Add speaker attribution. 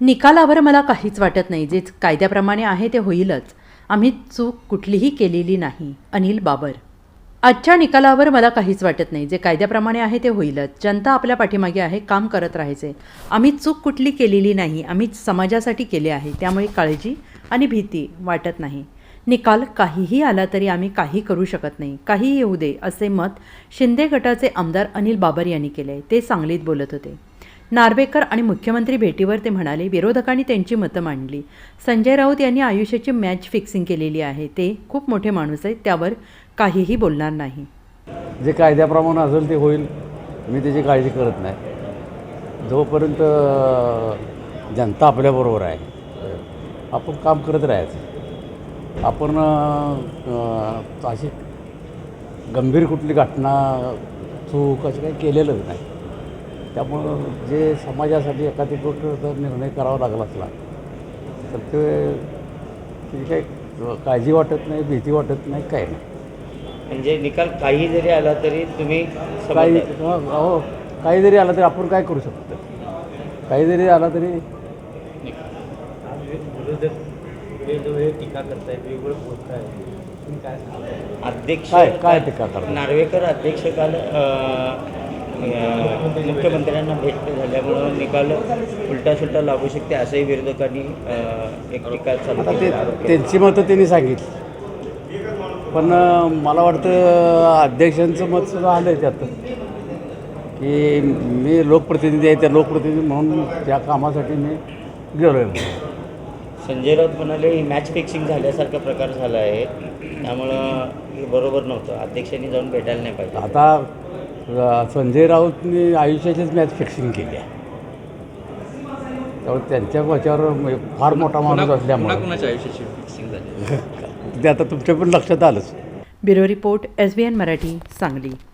Speaker 1: निकालावर मला काहीच वाटत नाही. जे कायद्याप्रमाणे आहे ते होईलच. आम्ही चूक कुठलीही केलेली नाही. अनिल बाबर. आजच्या निकालावर मला काहीच वाटत नाही. जे कायद्याप्रमाणे आहे ते होईलच. जनता आपल्या पाठीमागे आहे. काम करत राहायचे. आम्ही चूक कुठली केलेली नाही. आम्ही समाजासाठी केले आहे. त्यामुळे काळजी आणि भीती वाटत नाही. निकाल काहीही आला तरी आम्ही काही करू शकत नाही. काहीही येऊ दे असे मत शिंदे गटाचे आमदार अनिल बाबर यांनी केले. ते सांगलीत बोलत होते. नार्वेकर आणि मुख्यमंत्री भेटीवर ते म्हणाले, विरोधकांनी त्यांची मतं मांडली. संजय राऊत यांनी आयुष्याची मॅच फिक्सिंग केलेली आहे. ते खूप मोठे माणूस आहेत. त्यावर काहीही बोलणार नाही.
Speaker 2: जे कायद्याप्रमाणे असेल ते होईल. मी त्याची काळजी करत नाही. जोपर्यंत जनता आपल्याबरोबर आहे आपण काम करत राहायचं. आपण अशी गंभीर कुठली घटना चूक असं काही केलेलंच नाही. त्यामुळं जे समाजासाठी एखादी गोष्ट जर निर्णय करावा लागला असला तर त्याची काही काळजी वाटत नाही, भीती वाटत नाही, काही नाही.
Speaker 3: म्हणजे निकाल काही जरी आला तरी तुम्ही
Speaker 2: काही जरी आला तरी आपण काय करू शकतो. काही जरी आला तरी
Speaker 3: टीका करताय, वेगवेगळं बोलताय, अध्यक्ष
Speaker 2: काय टीका करतात.
Speaker 3: नार्वेकर अध्यक्ष काल मुख्यमंत्र्यांना भेट झाल्यामुळं निकाल उलटा सुलटा लागू शकते असंही विरोधकांनी एक टीका चालू
Speaker 2: आता
Speaker 3: केली.
Speaker 2: त्यांची मतं त्यांनी सांगितली. पण मला वाटतं अध्यक्षांचं मत सुद्धा आलं आहे त्यात की मी लोकप्रतिनिधी आहे. त्या लोकप्रतिनिधी म्हणून त्या कामासाठी मी गेलो आहे.
Speaker 3: संजय राऊत म्हणाले ही मॅच फिक्सिंग झाल्यासारखा प्रकार झाला आहे. त्यामुळं हे बरोबर नव्हतं. अध्यक्षांनी जाऊन भेटायला नाही पाहिजे.
Speaker 2: आता संजय राऊतनी आयुष्याचीच मॅच फिक्सिंग केली आहे. त्यामुळे त्यांच्या वाच्यावर फार मोठा माणूस असल्यामुळे
Speaker 3: कुणाच्या आयुष्याची फिक्सिंग झाली
Speaker 2: ते आता तुमच्या पण लक्षात आलंच.
Speaker 1: Bureau report, SBN Marathi, Sangli.